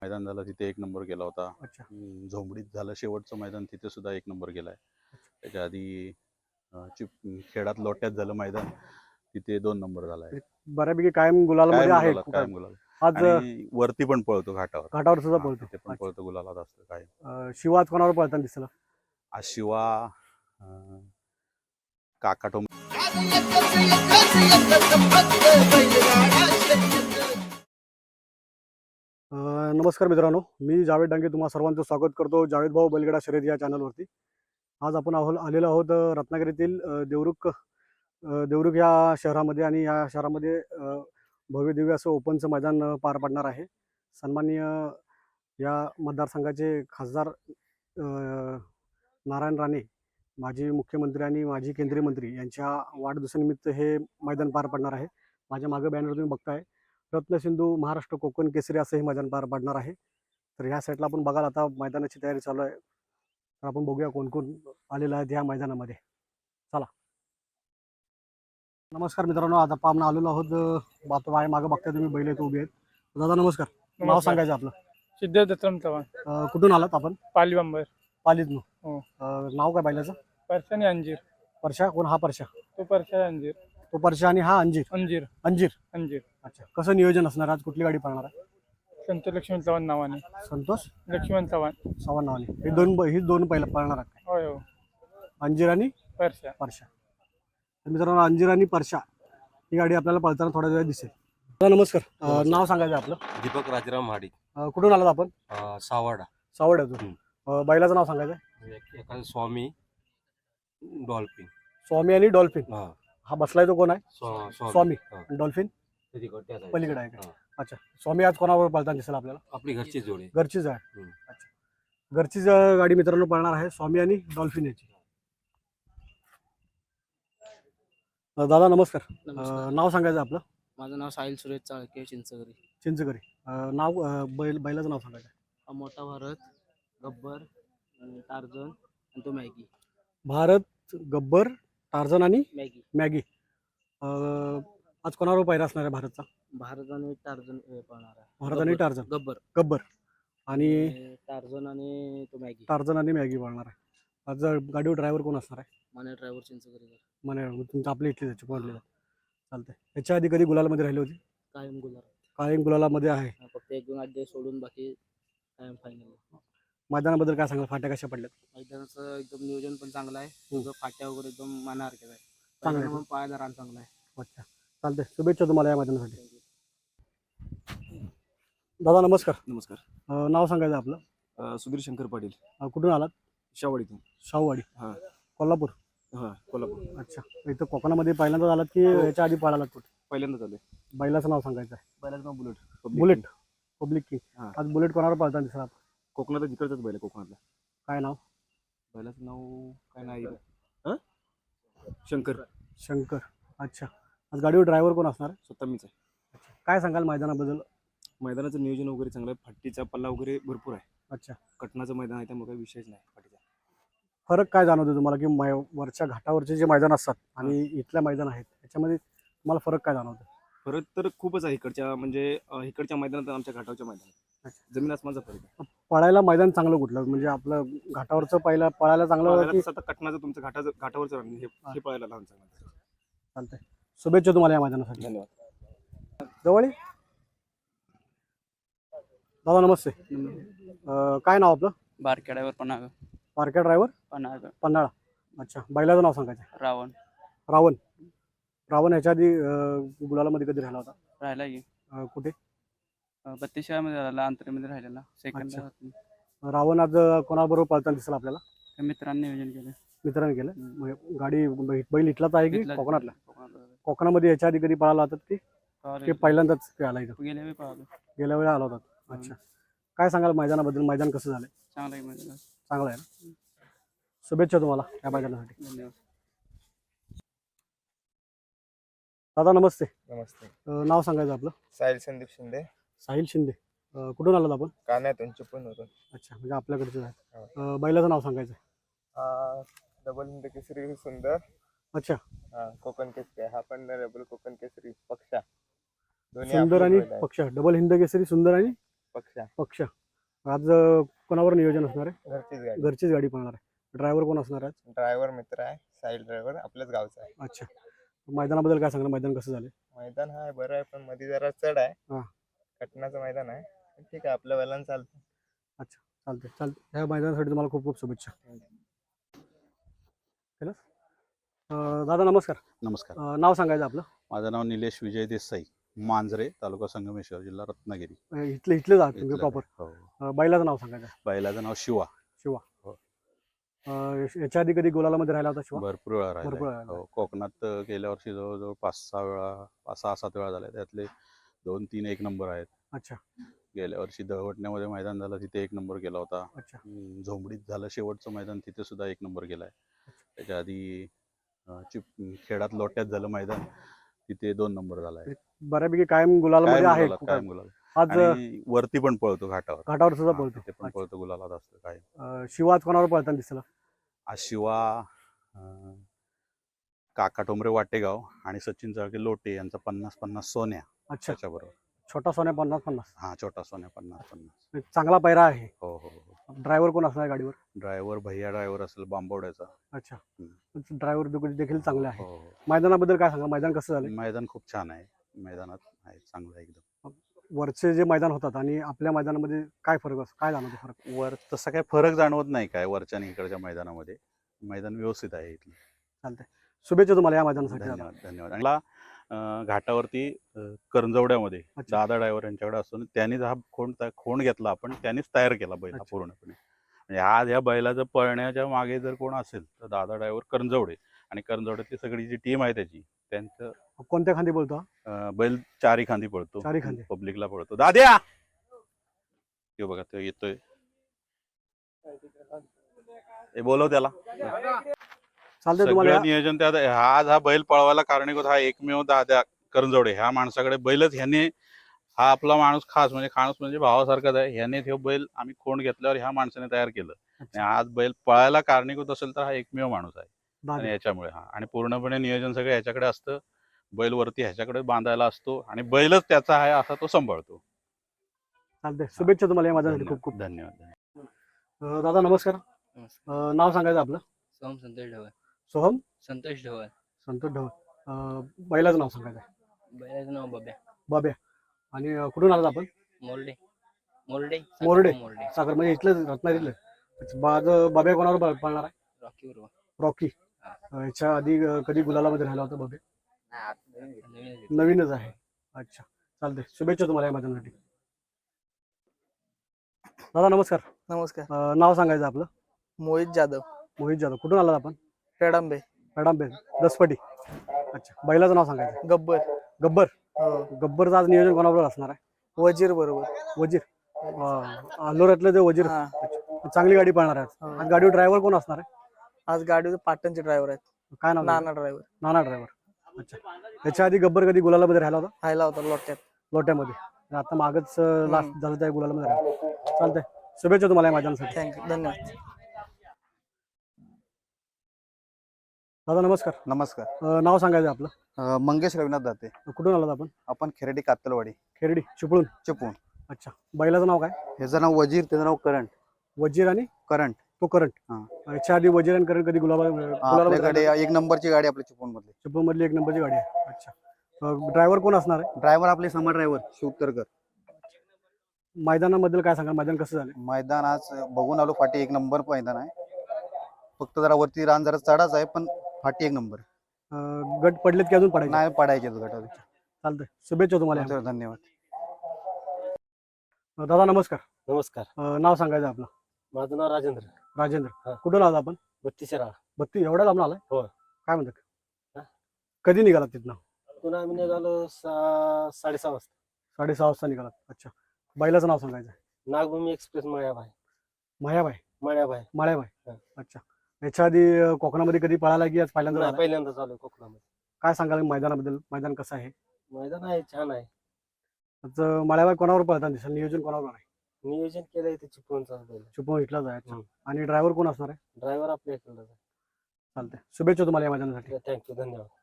मैदान झालं तिथे 1 नंबर केला होता. अच्छा. झोंबडीत झालं शेवटचं मैदान, तिथे सुद्धा 1 नंबर केलाय. त्याच्या आधी खेळात लोट्यात झालं मैदान, तिथे 2 नंबर झालाय. बऱ्यापैकी कायम गुलालमध्ये आहे. कायम गुलाल. आज आणि वरती पण पळतो घाटावर सुद्धा हा, पळतो. तिथे पण पळतो, गुलालात असतो काय. शिवाज कोणावर पळताना दिसला? आज शिवा काका टोम. नमस्कार मित्रांनो, मी जावेद डांगे तुम्हा सर्वांचं स्वागत करतो जावेद भाऊ बैलगाडा शर्यत या चॅनलवरती. आज आपण आलेलो आहोत रत्नागिरीतील देवरुख या शहरामध्ये, आणि या शहरामध्ये भव्य दिव्य असं ओपनचं मैदान पार पडणार आहे. सन्माननीय या मतदारसंघाचे खासदार नारायण राणे, माजी मुख्यमंत्री आणि माजी केंद्रीय मंत्री यांच्या वाढदिवसानिमित्त हे मैदान पार पडणार आहे. माझ्या मागे बॅनर तुम्ही बघताय, रत्नसिंधू महाराष्ट्र कोकण केसरी असं हे मैदान पार पडणार आहे. तर ह्या साईडला आपण बघाल आता मैदानाची तयारी चालू आहे. तर आपण बघूया कोण कोण आलेलं आहे या मैदानामध्ये. चला. नमस्कार मित्रांनो, आता आपण आलेलो आहोत मागे बघताय तुम्ही, बैल इथे उभी आहेत. दादा नमस्कार. नाव सांगायचं आपलं? सिद्धार्थ दत्तराम चव्हाण. कुठून आलात आपण? पाली बंबर. पालीतनं. हो. नाव काय बैलाचं? परशा आणि अंजीर. परशा? कोण हा परशा? तो परशा अंजीर. तो परशा आणि हा अंजीर. अंजीर. अंजीर. अंजीर. अच्छा. कसं नियोजन असणार आज? कुठली गाडी पळणार आहे? संतोष लक्ष्मण चव्हाण नावाने. संतोष लक्ष्मण चव्हाण नावाने. ही दोन पहिला पळणार आहेत. होय हो. अंजीर आणि परशा. तर मित्रांनो, अंजीर आणि परशा ही गाडी आपल्याला पळताना थोड्या वेळ दिसेल. नमस्कार. नाव सांगायचं आपलं? दीपक राजाराम महाडिक. कुठून आलात आपण? सावडा. सावड्यातून. बैलाचं नाव सांगायचं? एखादा स्वामी डॉल्फिन. स्वामी आणि डॉल्फिन. हा बसलाय तो कोण आहे? स्वामी. डॉल्फिन पलीकडे आहे का? अच्छा. स्वामी आज कोणावर पळताना दिसेल आपल्याला? आपली घरची जोडी. घरचीच आहे. अच्छा. घरचीच गाडी मित्रांनो पळणार आहे, स्वामी आणि डॉल्फिन याची. दादा नमस्कार. नाव सांगायचं आपलं? माझं नाव साहिल सुरेश चाळके, चिंचगरी. नाव बैलाचं नाव सांगायचं? मोठा भारत, गब्बर, टार्झन आणि तो मॅगी. भारत, गब्बर, टार्झन आणि मॅगी. आज कोणावर पहिरा असणार आहे भारतचा? भारत आणि टार्झन पळणार आहे. भारत आणि टार्झन. गब्बर आणि टार्झन आणि तो मॅगी. टार्झन आणि मॅगी पळणार आहे. आज गाडीवर ड्रायव्हर कोण असणार आहे? माने ड्रायव्हर चिंचगरी. मने तुमचं आपल्या इथली त्याची कोणली चालतंय. याच्या आधी कधी गुलालमध्ये राहिली होती? कायम गुलालामध्ये आहे. फक्त 1-2 अड्डे सोडून बाकी कायम फायनल. मैदानाबद्दल काय सांगाल? फाट्या कशा पडल्यात? मैदानाचं एकदम नियोजन पण चांगलं आहे. फाट्या वगैरे एकदम मनासारखेच आहे. चांगलं आहे. पाहायला रान चांगला आहे. अच्छा. चालतंय. शुभेच्छा तुम्हाला या मैदानासाठी. दादा नमस्कार. नमस्कार. नाव सांगायचं आपलं? सुधीर शंकर पाटील. कुठून आलात? शावडीतून. शाहूवाडी. हां. कोल्हापूर. हां, कोल्हापूर. अच्छा. इथं कोकणामध्ये पहिल्यांदाच आलात की याच्या आधी पळालात कुठे? पहिल्यांदाच आलोय. बैलाचं नाव सांगायचं आहे? बैलाचं नाव बुलेट. बुलेट. Public king. हां. आज बुलेट कोणावर पळताना दिसला? कोकणात जिकडचाच बैल आहे कोकणातला. काय नाव? बैलाचं नाव काय नाही. शंकर. अच्छा. आज गाडीवर ड्रायव्हर कोण असणार? स्वतः मीच आहे. अच्छा. काय सांगाल मैदानाबद्दल? मैदानाचं नियोजन वगैरे चांगलं आहे. फाटीचा पल्ला वगैरे भरपूर आहे. अच्छा. कटनाचं मैदान आहे, त्यामुळे काही विषयच नाही फाटीचा. फरक काय जाणवतो तुम्हाला की वरच्या घाटावरचे जे मैदान असतात आणि इथल्या मैदान आहेत त्याच्यामध्ये तुम्हाला फरक काय जाणवतो? फरक तर खूपच आहे. इकडच्या मैदानात आणि आमच्या घाटावरच्या मैदानात जमीन आसमानचा फरक आहे. पळायला मैदान चांगलं कुठलं? म्हणजे आपलं घाटावरचं पळायला चांगलं की आता कटनाचं तुमचं घाटावरचं हे पळायला लहान चांगलं. चालतंय. शुभेच्छा तुम्हाला या मैदानासाठी. धन्यवाद. जवळ दादा नमस्ते. काय नाव आपलं? बारक्या ड्रायव्हर पन्हाळ. पारख्या ड्रायव्हर पन्हाळा. अच्छा. बैलाचं नाव सांगायचं? रावण. ह्याच्या आधी गुलालामध्ये कधी राहिला होता? राहिला की कुठे? 32 मध्ये राहिला, अंतरीमध्ये राहिलेला सेकंड. रावण आज कोणाबरोबर पळताना दिसेल आपल्याला? मित्रांनी नियोजन केलं. मित्रांनी केलं. गाडी बैल इथलाच आहे की कोकणातला? कोकणामध्ये याच्या आधी कधी पळाला होता की पहिल्यांदाच आला इथं? गेल्या वेळी आला होता. अच्छा. काय सांगाल मैदानाबद्दल? मैदान कसं झालंय? चांगलं आहे ना. शुभेच्छा तुम्हाला या मैदानासाठी. धन्यवाद. दादा नमस्ते. नाव सांगायचं आपलं? साहिल संदीप शिंदे. साहिल शिंदे. कुठून आलात आपण? कान्यातून चिपळूण होतो. अच्छा. म्हणजे आपल्याकडचं आहे. बैलाचं नाव सांगायचं? डबल हिंद केसरी सुंदर. अच्छा. कोकण केसरी. हा पण डबल कोकण केसरी पक्षा. सुंदर आणि पक्षा. डबल हिंद केसरी सुंदर आणि पक्षा पक्ष आज कोणावर नियोजन असणार आहे? घरचीच गाडी. घरचीच गाडी पळणार आहे. ड्रायव्हर कोण असणार आहे? ड्रायव्हर मित्र आहे, साईड ड्रायव्हर आपल्याच गावचा आहे. अच्छा, मैदानाबद्दल काय सांगणार? मैदान कसं झालं? मैदान आहे बरं आहे, पण मध्ये जरा चढ आहे. हा. कटनाचं मैदान आहे, पण ठीक आहे, आपल्या वेळेला चालतं. चालते. ह्या मैदानासाठी तुम्हाला खूप खूप शुभेच्छा. केलंस? दादा नमस्कार. नमस्कार. नाव सांगायचं आपलं? माझं नाव निलेश विजय देसाई, मांजरे, तालुका संगमेश्वर, जिल्हा रत्नागिरी. इथले जात तुम्ही इथलं प्रॉपर. आहे. हो. बैलाचं नाव सांगायचं? बैलाचं नाव शिवा. याच्या आधी कधी गुलालामध्ये राहिला होता शिवा? भरपूर वेळा भरपूर राहिला. वेळा. हो, कोकणात गेल्या वर्षी जवळजवळ 5-6 वेळा, 6-7 वेळा झाल्या. त्यातले 2-3 एक नंबर आहेत. अच्छा. गेल्या वर्षी दळवटण्यामध्ये मैदान झालं, तिथे एक नंबर केला होता. अच्छा. झोंबडीत झालं शेवटचं मैदान, तिथे सुद्धा एक नंबर केलाय. त्याच्या आधी खेळात लोट्यात झालं मैदान, तिथे 2 नंबर झालाय. बऱ्यापैकी कायम गुलालामध्ये आहे. कायम गुलाल. आज आणि वरती पण पळतो घाटावर. घाटावर सुद्धा हा, पळतो. तिथे पण पळतो, गुलालात असतो काय. शिवा आज कोणावर पळताना दिसला? आज शिवा काका टोमरे वाटेगाव आणि सचिन चाळके लोटे यांचा 50-50 सोन्या अच्छा. त्याच्याबरोबर. छोटा सोन्या 50-50. हा, छोटा सोन्या 50-50. चांगला पैरा आहे. हो. ड्रायव्हर कोण असणार गाडीवर? ड्रायव्हर भैया ड्रायव्हर असेल बांबवड्याचा. अच्छा. ड्रायव्हर देखील चांगले आहे. हो. मैदानाबद्दल काय सांगा? मैदान कसं झालं? मैदान खूप छान आहे. मैदानात आहे चांगलं आहे एकदम. वरचे जे मैदान होतात आणि आपल्या मैदानामध्ये काय फरक असतो? काय जाणवतो फरक? वर तसा काही फरक जाणवत नाही काय वरच्या आणि इकडच्या मैदानामध्ये. मैदान व्यवस्थित आहे इथलं. चालतंय. शुभेच्छा तुम्हाला या मैदानासाठी. धन्यवाद. आणि मला घाटावरती करंजवड्यामध्ये अच्छा. दादा ड्रायव्हर यांच्याकडे असून त्यांनीच हा खोंड घेतला, आपण त्यांनीच तयार केला बैल हा अच्छा. पूर्णपणे. म्हणजे आज ह्या बैलाचं पळण्याच्या मागे जर कोण असेल तर दादा ड्रायव्हर करंजवडे. आणि करंजवड्यातली सगळी जी टीम आहे त्याची, त्यांचं कोणत्या खांदी बोलतो हा? बैल चारी खांदी पळतो. चारी खांदी. पब्लिकला पळतो. दाद्या हे बघा, तो येतोय. हे बोलव त्याला. चालतंय. तुम्हाला सगळं नियोजन त्यात. आज हा बैल पळवायला कारणीभूत हा एकमेव दादा करंजवडे. ह्या माणसाकडे बैलच, ह्याने हा आपला माणूस खास म्हणजे भावासारखाच आहे. ह्याने हे बैल आम्ही खोंड घेतल्यावर ह्या माणसाने तयार केलं. आणि आज बैल पळायला कारणीभूत असेल तर हा एकमेव माणूस आहे. आणि याच्यामुळे आणि पूर्णपणे नियोजन सगळं ह्याच्याकडे असतं. बैल वरती ह्याच्याकडे बांधायला असतो आणि बैलच त्याचा आहे असा तो सांभाळतो. चालतंय. शुभेच्छा तुम्हाला या मैदानासाठी खूप खूप. धन्यवाद. दादा नमस्कार. नमस्कार. नाव सांगायचं आपलं? सोहम संतोष ढवळ. सोहम संतोष ढवळ. संतोष ढवळ. बैलाचं नाव सांगायचं? बैलाचं नाव बब्या. बाब्या. आणि कुठून आलात आपण? मोरडे. मोरडे. मोरडे. साखर म्हणजे इथलं रत्नागिरीतलं. बाब्या कोणावर पळणार आहे? रॉकी बरोबर. रॉकी. याच्या आधी कधी गुलालामध्ये राहिला होता बाब्या? नवीनच आहे. अच्छा. चालतंय. शुभेच्छा तुम्हाला या मैदानासाठी. दादा नमस्कार. नमस्कार. नाव सांगायचं आपलं? मोहित जाधव. मोहित जाधव. कुठून आलात आपण? पेडांबे. पेडांबे. दसपटी. अच्छा. बैलाचं नाव सांगायचं? गब्बर. गब्बर. हो. गब्बरचं आज नियोजन कोणाबरोबर असणार आहे? वजीर बरोबर. वजीर. अलोऱ्यातलं ते वजीर. हा. चांगली गाडी पळणार आहे. हो. आज गाडीवर ड्रायव्हर कोण असणार आहे? आज गाडीवर पाटणचे ड्रायव्हर आहेत. काय नाव? नाना ड्रायव्हर. नाना ड्रायव्हर. अच्छा. याच्या आधी गब्बर कधी गुलालामध्ये राहिला होता? राहिला होता लोट्यात. लोट्यामध्ये. आता मागच लास्ट झालं त्या गुलालामध्ये राहिला. चालतंय. शुभेच्छा तुम्हाला या मैदानासाठी. थँक्यू. धन्यवाद. दादा नमस्कार. नमस्कार. नाव सांगायचं आपलं? मंगेश रविनाथ दाते. कुठून आलात आपण? आपण खेरडी कातलवाडी खेरडी चिपळूण. चिपळूण. अच्छा. बैलाचं नाव काय? ह्याचं नाव वजीर, त्याचं नाव करंट. वजीर आणि करंट. तो करंट. याच्या आधी वजीर आणि करंट कधी आपल्याकडे एक नंबरची गाडी आपल्या चिपळूण मधली. चिपळूण मधली एक नंबरची गाडी आहे. अच्छा. ड्रायव्हर कोण असणार आहे? ड्रायव्हर आपले समा ड्रायव्हर शिवतरकर. मैदानाबद्दल काय सांगा? मैदान कसं झालं? मैदान आज बघून आलो, फाटी एक नंबर मैदान आहे. फक्त जरा वरती रान जरा चढाच आहे, पण फाटी एक नंबर. गट पडलेत की अजून पडायचे? नाही पडायचे गटावर. चालतंय. शुभेच्छा तुम्हाला. धन्यवाद. दादा नमस्कार. नमस्कार. नाव सांगायचं आपलं? माझं नाव राजेंद्र. राजेंद्र. कुठून आलात आपण? 32 शिराळा. 32. एवढ्या लांब आलाय? हो. काय म्हणतात? हा? कधी निघालात तिथनं? पुन्हा आम्ही निघालो 6:30 वाजता. 6:30 वाजता निघालात. अच्छा. बैलाचं नाव सांगायचं? नागभूमी एक्सप्रेस मळ्याबाई. मायाबाई. मळ्याबाई. माळ्याबाई. अच्छा. याच्या आधी कोकणामध्ये कधी पळाला की आज पहिल्यांदा? पहिल्यांदा चालू कोकणामध्ये. काय सांगाल मैदानाबद्दल? मैदान कसं आहे? मैदान आहे, छान आहे. माळ्याबाई कोणावर पळताना दिसेल? नियोजन कोणावर आहे? नियोजन केलंय ते चिपळूणचा बैल. चिपळूण इथला जायचं. आणि ड्रायव्हर कोण असणार आहे? ड्रायव्हर आपल्या इकडला. चालतंय. शुभेच्छा तुम्हाला या मैदानासाठी. थँक्यू. धन्यवाद.